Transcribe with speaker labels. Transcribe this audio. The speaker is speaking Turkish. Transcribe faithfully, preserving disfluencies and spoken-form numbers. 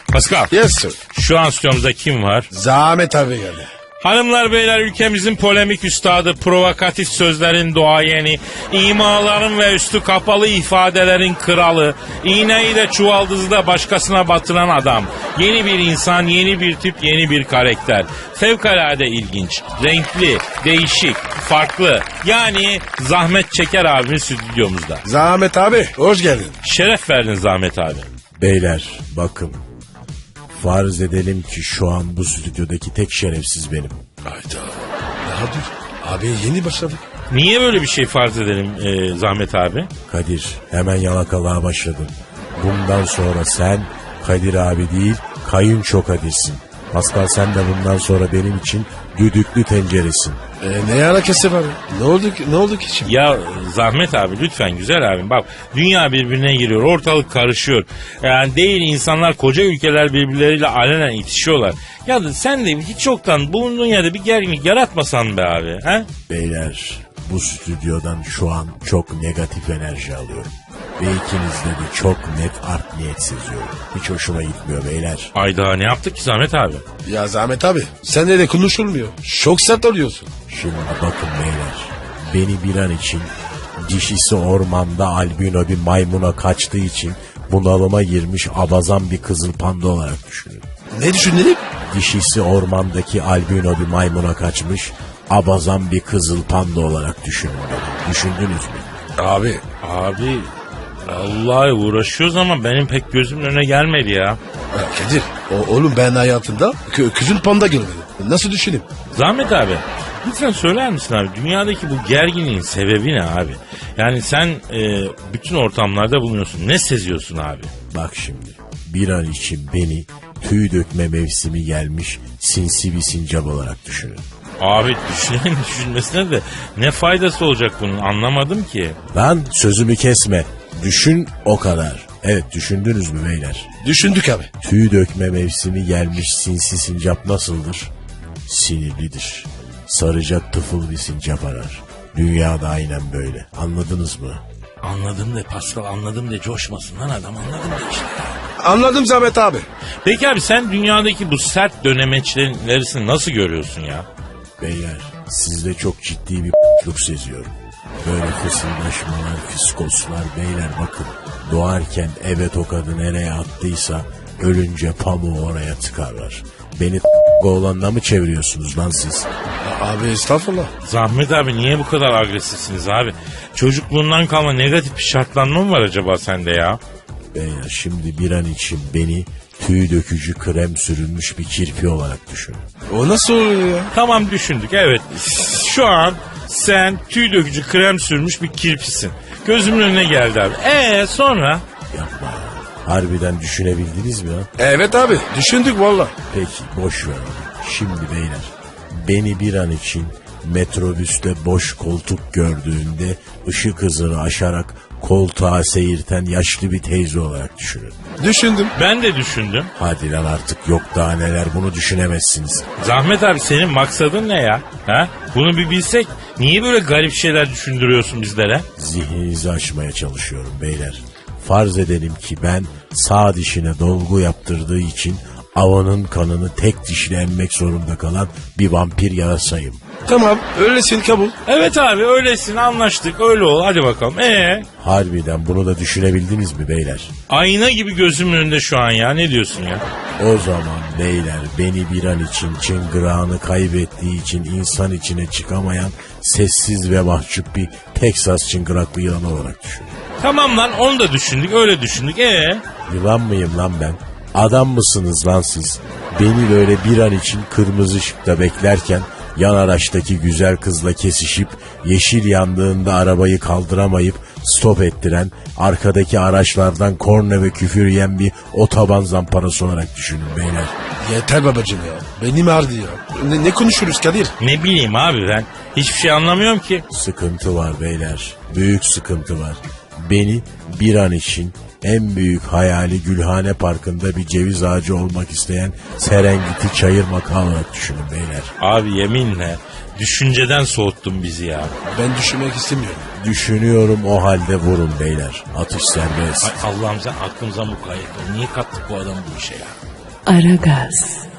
Speaker 1: Pascal.
Speaker 2: Yes sir.
Speaker 1: Şu an stüdyomuzda kim var?
Speaker 2: Zahmet abi geldi.
Speaker 1: Hanımlar beyler, ülkemizin polemik üstadı, provokatif sözlerin doğayeni, imaların ve üstü kapalı ifadelerin kralı, iğneyi de çuvaldızı da başkasına batıran adam. Yeni bir insan, yeni bir tip, yeni bir karakter. Fevkalade ilginç, renkli, değişik, farklı. Yani Zahmet Çeker abimiz stüdyomuzda.
Speaker 2: Zahmet abi hoş geldin.
Speaker 1: Şeref verdin Zahmet abi.
Speaker 3: Beyler bakın. Farz edelim ki şu an bu stüdyodaki tek şerefsiz benim.
Speaker 2: Hayda. Daha dur. Abi yeni başladık.
Speaker 1: Niye böyle bir şey farz edelim e, Zahmet abi?
Speaker 3: Kadir hemen yalakalığa başladın. Bundan sonra sen Kadir abi değil kayınço Kadir'sin. Pascal sen de bundan sonra benim için düdüklü tenceresin.
Speaker 2: E, ne alakası var? Ne oldu ki, ne oldu ki şimdi?
Speaker 1: Ya Zahmet abi lütfen güzel abim, bak dünya birbirine giriyor, ortalık karışıyor. Yani değil, insanlar koca ülkeler birbirleriyle alenen itişiyorlar. Ya da sen de hiç yoktan bulunduğun yerde bir gerginlik yaratmasan be abi. He?
Speaker 3: Beyler bu stüdyodan şu an çok negatif enerji alıyorum. Ve ikinizde de çok net art niyet seziyorum. Hiç hoşuma gitmiyor beyler.
Speaker 1: Ayda ne yaptık ki Zahmet abi?
Speaker 2: Ya Zahmet abi seninle de konuşulmuyor. Çok sert oluyorsun.
Speaker 3: Şimdi bakın beyler. Beni bir an için dişisi ormanda albino bir maymuna kaçtığı için bunalıma girmiş abazan bir kızıl panda olarak düşünün.
Speaker 2: Ne düşünelim?
Speaker 3: Dişisi ormandaki albino bir maymuna kaçmış abazan bir kızıl panda olarak düşünün beni. Düşündünüz mü?
Speaker 2: Abi.
Speaker 1: Abi vallahi uğraşıyoruz ama benim pek gözümün önüne gelmedi ya.
Speaker 2: Ya Kadir o, oğlum ben hayatımda kö, kızın panda görmedim. Nasıl düşüneyim?
Speaker 1: Zahmet abi lütfen söyler misin abi, dünyadaki bu gerginliğin sebebi ne abi? Yani sen e, bütün ortamlarda bulunuyorsun, ne seziyorsun abi?
Speaker 3: Bak şimdi bir an için beni tüy dökme mevsimi gelmiş sinsi bir sincap olarak düşünün.
Speaker 1: Abi düşünen düşünmesine de ne faydası olacak bunun, anlamadım ki.
Speaker 3: Lan sözümü kesme. Düşün o kadar. Evet düşündünüz mü beyler?
Speaker 2: Düşündük abi.
Speaker 3: Tüy dökme mevsimi gelmiş sinsi sincap nasıldır? Sinirlidir. Saracak tıfıl bir sincap arar. Dünyada aynen böyle. Anladınız mı?
Speaker 1: Anladım de Pascal, anladım de, coşmasın lan adam, anladım de işte.
Speaker 2: Anladım Zahmet abi.
Speaker 1: Peki abi sen dünyadaki bu sert dönemeçlerin ilerisini nasıl görüyorsun ya?
Speaker 3: Beyler sizde çok ciddi bir luk seziyorum. Böyle fısıldaşmalar, fiskoslar beyler bakın. Doğarken evet o kadın nereye attıysa ölünce pamuğu oraya tıkarlar. Beni oğlanla mı çeviriyorsunuz lan siz?
Speaker 2: Abi estağfurullah.
Speaker 1: Zahmet abi niye bu kadar agresifsiniz abi? Çocukluğundan kalma negatif bir şartlanma mı var acaba sende ya?
Speaker 3: Beyler şimdi bir an için beni tüy dökücü krem sürülmüş bir kirpi olarak düşünün.
Speaker 2: O nasıl oluyor ya?
Speaker 1: Tamam düşündük, evet. Şu an sen tüy dökücü krem sürmüş bir kirpisin. Gözümün önüne geldi abi. Eee sonra?
Speaker 3: Yapma ya. Harbiden düşünebildiniz mi ha?
Speaker 2: Evet abi düşündük valla.
Speaker 3: Peki boş ver. Şimdi beyler beni bir an için metrobüste boş koltuk gördüğünde ışık hızını aşarak koltuğa seyirten yaşlı bir teyze olarak düşünün.
Speaker 2: Düşündüm.
Speaker 1: Ben de düşündüm.
Speaker 3: Hadi lan artık yok daha neler, bunu düşünemezsiniz.
Speaker 1: Zahmet abi senin maksadın ne ya? Ha? Bunu bir bilsek, niye böyle garip şeyler düşündürüyorsun bizlere?
Speaker 3: Zihninizi açmaya çalışıyorum beyler. Farz edelim ki ben sağ dişine dolgu yaptırdığı için avının kanını tek dişle emmek zorunda kalan bir vampir yarasayım.
Speaker 2: Tamam öylesin kabul.
Speaker 1: Evet abi öylesin, anlaştık, öyle ol, hadi bakalım. Eee?
Speaker 3: Harbiden bunu da düşünebildiniz mi beyler?
Speaker 1: Ayna gibi gözümün önünde şu an ya, ne diyorsun ya?
Speaker 3: O zaman beyler beni bir an için çıngırağını kaybettiği için insan içine çıkamayan sessiz ve mahcup bir Teksas çıngıraklı yılan olarak düşünün.
Speaker 1: Tamam lan, onu da düşündük, öyle düşündük. Eee?
Speaker 3: Yılan mıyım lan ben? Adam mısınız lan siz? Beni böyle bir an için kırmızı ışıkta beklerken yan araçtaki güzel kızla kesişip yeşil yandığında arabayı kaldıramayıp stop ettiren, arkadaki araçlardan korna ve küfür yiyen bir otoban zamparası olarak düşünün beyler.
Speaker 2: Yeter babacığım ya. Benim ağrıdı ya. Ne, ne konuşuruz Kadir?
Speaker 1: Ne bileyim abi, ben hiçbir şey anlamıyorum ki.
Speaker 3: Sıkıntı var beyler. Büyük sıkıntı var. Beni bir an için en büyük hayali Gülhane Parkı'nda bir ceviz ağacı olmak isteyen Serengeti Çayır Maka olarak düşünün beyler.
Speaker 1: Abi yeminle düşünceden soğuttun bizi ya.
Speaker 2: Ben düşünmek istemiyorum.
Speaker 3: Düşünüyorum, o halde vurun beyler. Atış serbest.
Speaker 1: Ay Allah'ım, sen aklımıza mukayyet ol. Niye kattık bu adamı bu işe ya?
Speaker 4: Aragaz.